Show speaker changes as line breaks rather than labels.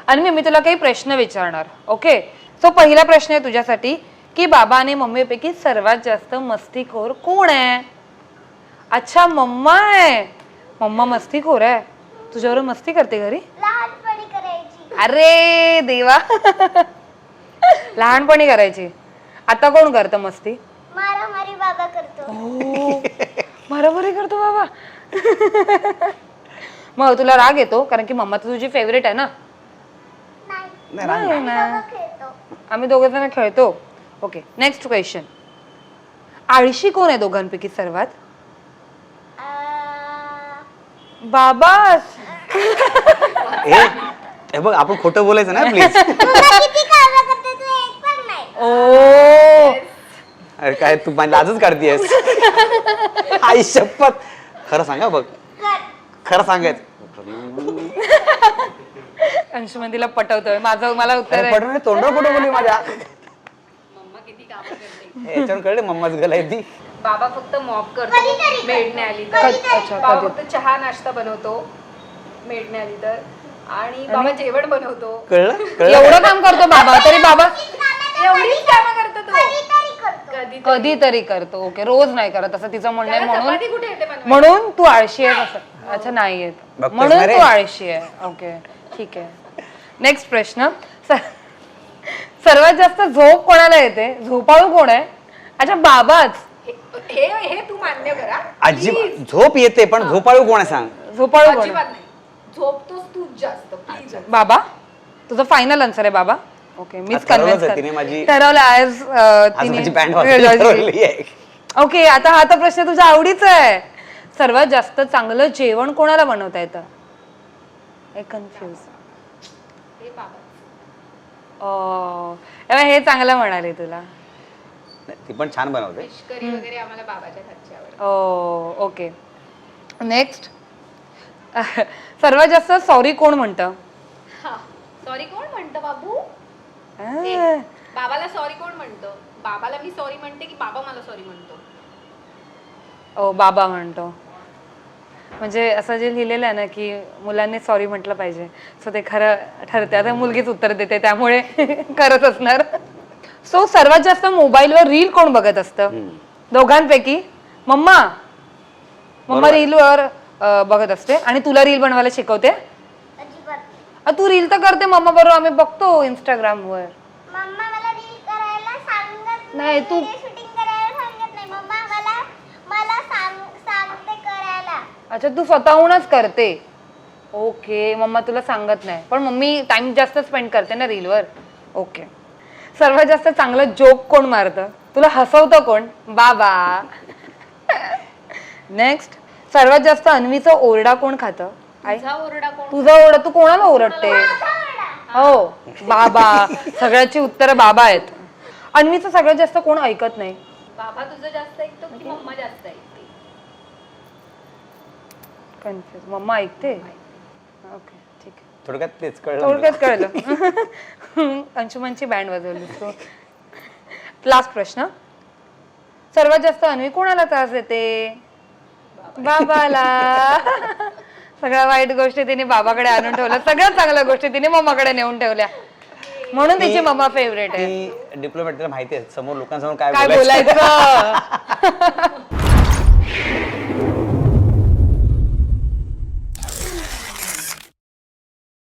आणि मी तुला काही प्रश्न विचारणार. ओके, सो पहिला प्रश्न आहे तुझ्यासाठी की बाबा आणि मम्मीपैकी सर्वात जास्त मस्तीखोर कोण आहे? अच्छा, मम्मा आहे. मम्मा मस्तीखोर आहे. तुझ्यावर मस्ती करते घरी?
लहानपणी करायची.
अरे देवा. लहानपणी करायची. आता कोण करतं मस्ती?
मारामारी बाबा करतो.
मारामारी करतो बाबा. मग तुला राग येतो कारण की मम्मा तर तुझी फेवरेट आहे ना?
नाही ना, खेळतो.
आम्ही दोघे जण खेळतो. Okay, next question. आळशी कोण आहे दोघांपैकी सर्वात? बाबाच.
हे बघ, आपण खोटं बोलायचं ना प्लीज.
किती कामं करते तू, एक पण नाही.
ओ,
अरे काय तू माझी लाजच काढतीयस. आई शपथ, खरं सांगा बघ, खरं सांगायचं.
अंशुमन तिला पटवतोय. मला उत्तर आहे.
पटवून तोंडावर खोटं बोलली माझ्या. याच्यावर कळले मम्माच गला आहे ती.
बाबा फक्त मॉप करतो मेडने आली तर. बाबा फक्त चहा नाश्ता बनवतो मेडने आली तर. आणि बाबा जेवण बनवतो.
कळलं?
एवढं काम करतो बाबा, तरी बाबा
एवढीच कामं करतो तो.
कधीतरी करतो.
कधी
कधीतरी करतो. ओके, रोज नाही करत असं तिचं म्हणणं आहे. म्हणून
चपाती कुठे येते बनवायला?
म्हणून तू आळशी आहे असं. अच्छा, नाही येत
बघतोस
म्हणून
ना रे?
तू आळशी आहे. ओके, ठीक आहे. नेक्स्ट प्रश्न. सर्वात जास्त झोप कोणाला येते? झोपाळू कोण आहे? अच्छा, बाबाच.
हे तू मान्य करा.
अजिबात झोप येते पण झोपाळू कोण आहे सांग?
झोपाळू कोण
अजिबात
आहे?
नाही. झोपतोस तू जास्त प्लीज.
बाबा. तुझं फायनल आन्सर आहे बाबा? ओके, मीच
आज ठरवलंच आहे
कन्व्हिन्स
तिने माझी-
ठरवलं आज
आज माझी बँड वाजवली आहे.
ओके, आता हा तर प्रश्न तुझ्या आवडीचा आहे. सर्वात जास्त चांगलं जेवण कोणाला बनवता येतं? कन्फ्युज.
हे बाबा.
हे चांगलं म्हणाले तुला.
ती पण छान बनवते.
फिश करी वगैरे आम्हाला बाबाच्या हातची आवडते.
Okay, next. सर्वात जास्त सॉरी कोण म्हणतं?
सॉरी कोण म्हणतं बाबू?
आ,
बाबाला सॉरी कोण म्हणतं? बाबाला मी सॉरी म्हणते की बाबा मला सॉरी म्हणतो?
बाबा म्हणतो. म्हणजे असं जे लिहिलेलं आहे ना की मुलांनी सॉरी म्हटलं पाहिजे, सो ते खरं ठरते. आता मुलगीच उत्तर देते त्यामुळे करत असणार. सो सर्वात जास्त मोबाईलवर रील कोण बघत असतं दोघांपैकी? मम्मा. मम्मा रीलवर बघत असते आणि तुला रील बनवायला शिकवते.
अजिबात.
तू रील तर करते मम्मा बरोबर, आम्ही बघतो इंस्टाग्रामवर.
मम्मा मला रील करायला सांगत
नाही, तू
शूटिंग करायला सांगत नाही. मम्मा मला सांगते करायला.
अच्छा, तू स्वतःहूनच करते. ओके, मम्मा तुला सांगत नाही पण मम्मी टाइम जास्त स्पेंड करते ना रीलवर. ओके. सर्वात जास्त चांगलं जोक कोण मारतं? तुला हसवतं कोण? बाबा. नेक्स्ट. सर्वात जास्त अन्वीचा ओरडा कोण खातं? आई.
तुझा ओरडा कोण?
तुझा ओरडा? तू कोणाला ओरडते? हो, बाबा. सगळ्याची उत्तरं बाबा आहेत. अन्वीचं सगळ्यात जास्त कोण ऐकत नाही?
बाबा तुझं जास्त ऐकतो की मम्मा जास्त ऐकते?
कन्फ्युज. मम्मा ऐकते. ओके, ठीक आहे.
थोडक्यात तेच कळलं.
थोडक्यात कळलं. अंशुमनची बँड वाजवली. लास्ट प्रश्न. सर्वात जास्त अन्वी कोणाला त्रास देते? बाबाला. सगळ्या वाईट गोष्टी तिने बाबाकडे आणून ठेवल्या, सगळ्यात चांगल्या गोष्टी तिने मम्माकडे नेऊन ठेवल्या. म्हणून तिची मम्मा फेवरेट आहे.
डिप्लोमॅट, तिला माहिती आहे समोर लोकांसमोर काय
काय बोलायचं.